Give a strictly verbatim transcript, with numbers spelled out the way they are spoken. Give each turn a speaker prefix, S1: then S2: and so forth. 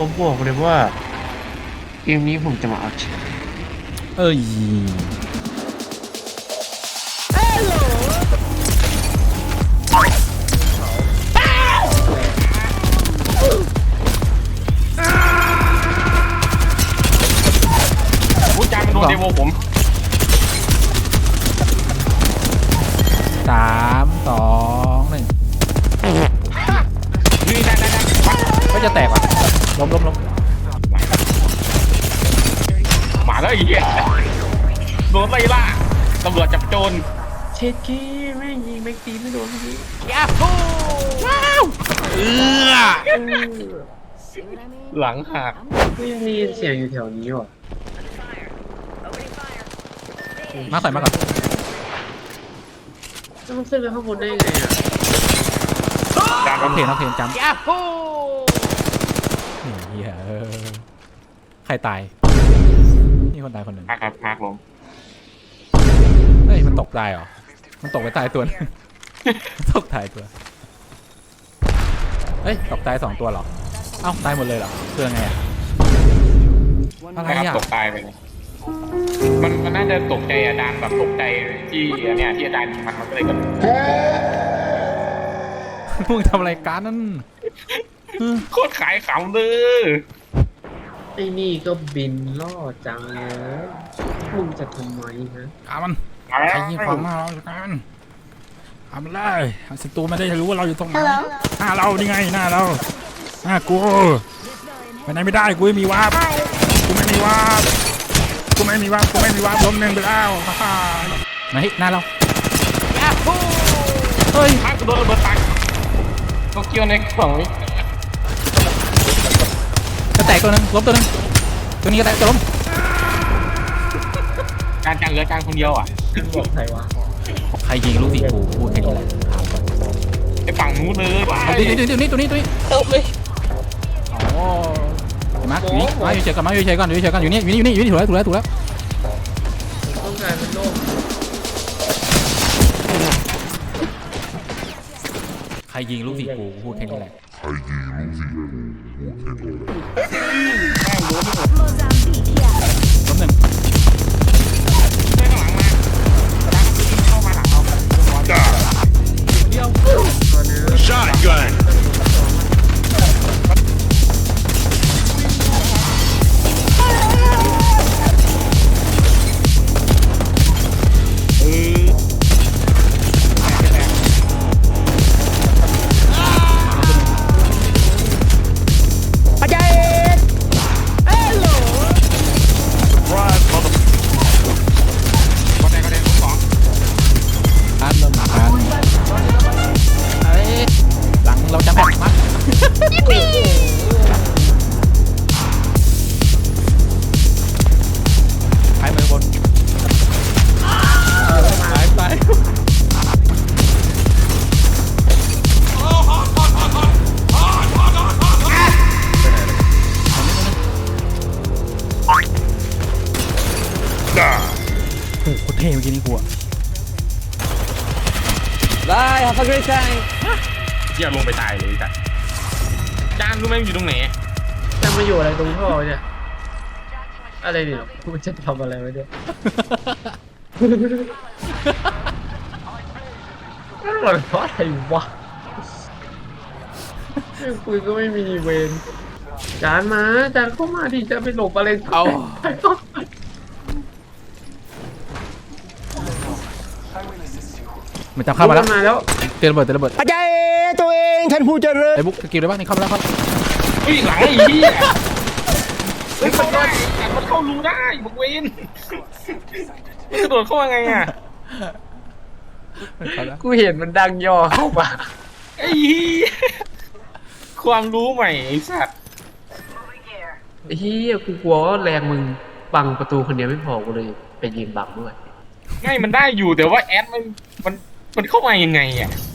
S1: ผมบอกเลยว่าเกมนี้ผมจะมาเอาชนะ
S2: เอ้ย
S3: ผู้จังโดนเดโวผม
S2: สามสองหนึ่ง
S3: นี่ได้ได้ได้
S2: ก็จะแตกว่ะล้มล้มล้ม
S3: มาแล้วอีกโดนไล่ล่าตำรวจจับโจร
S1: เช็ดกี้แม่งยิงแม็กตีไม่โดนพี่
S3: ยาฮูว้าวเออหลังหัก
S1: ไม่มีเสียงอยู่แถวนี้ว่ะ
S2: มาใส่มาก่อน
S1: แล้วมันขึ้นไปข้างบนได้ยังไงอ่ะ
S3: การ
S2: น้องเพลงน้องเพลงจำ
S3: ยาฮู
S2: เฮียใครตายนี่คนตายคนหนึ่ง
S3: ครับพักลง
S2: เฮ้ยมันตกตายเหรอมันตกไปตายตัวนึงตกตายตัวเฮ้ยตกตายสองตัวเหรอเอ้าตายหมดเลยเหรอเพื่อไงอ่ะอะไรอ่ะ
S3: ตกตายไปเลยมันมันน่าจะตกใจอาจารย์แบบตกใจที่เนี่ยที่อาจารย์มันมันก็เลยกัน
S2: มึงทำอะไรกันนั่น
S3: โคตรขายขำเลย
S1: ไอ้นี่ก็บินล่อจังเลยมึงจะทำไมฮะ
S2: อามันใครยิงของมาเรากันทำเลยศัตรูไม่ได้รู้ว่าเราอยู่ตรงไหนหน้าเรานี่ไงหน้าเราหน้ากูไปไหนไม่ได้กูไม่มีวาร์ปกูไม่มีวาร์ปกูไม่มีวาร์ปกูไม่มีวาร์ปล้มหนึ่งไปแล้วฮ่าไหนหน้าเรา
S3: เฮ้ยพักโดนระเบิดตักโตเกียวในกล่องนี้
S2: จะแตกตัวนึงล้มตัวนึงตัวนี้ก็แตกตัวล้ม
S3: การจังเหลือการคนเดียวอ่ะ
S1: บอกใครวะ
S2: ใครยิงลูกสีกูพูดแค่นี้แหละ
S3: ไอ้ฝั่งนู้นเลย
S2: ตัวนี้ตัวนี้ตัวนี้ตัวนี้
S3: ตบเลย
S2: โอ้มาอยู่นี่มาอยู่เฉยกันมาอยู่เฉยกันอยู่เฉยกันอยู่นี่อยู่นี่อยู่นี่อยู่นี่ถูกแล้วถูกแล้วถูกแล้ว
S1: ต้องการเป็นโลก
S2: ใครยิงลูกสีกูพูดแค่นี้แหละ
S4: ใครยิงลูกสีกูพูดแค่นี้แหละ
S2: ล้มหนึ่ง
S3: เข้ามาหลังเรา
S2: เดียว
S4: Shotgun
S2: เราจะแบกมาไปมือบนไปไปโอ้โหเท่เมื่อกี้นี่กูอะ
S1: ได้ครับพักด้วยใจ
S3: เที่ยวลงไปตายเลยจ้ะจานรู้ไหมอยู่ตรงไหน
S1: จะมาอยู่อะไรตรงท่อเนี่ยอะไรเนี่ยกูจะทำอะไรไว้เนี่ยนั่นหล่อนเพราะอะไรวะคุยก็ไม่มีเวรจานมาจานเข้ามาดิจะไปหลบอะไร
S2: เอามันจับเข้ามาแล้วเตะระเบิดเตะระเบิด
S1: อาจารย์ตัวเองท่านผู้เจริญ
S2: ไอ้บุ๊กสกิลได้บ้างนี่เข้ามาแล้วครับ
S3: เฮ้ยหลังไอ้เหี้ยเฮ้ยเข้าได้มันเข้ารูได้บุกเวนมันกระโดดเข้ามาไงอ่ะ
S1: กูเห็นมันดังย่อเข้ามา
S3: ไอ้เหี้ยความรู้ใหม่ไอ้สัตว์
S1: ไอ้เหี้ยกูกลัวว่าแรงมึงบังประตูคนเดียวไม่พอกูเลยไปยืนบังด้วย
S3: ไม่มันได้อยู่แต่ว่าแอดมันมันมันเข้ามายังไงอ่ะ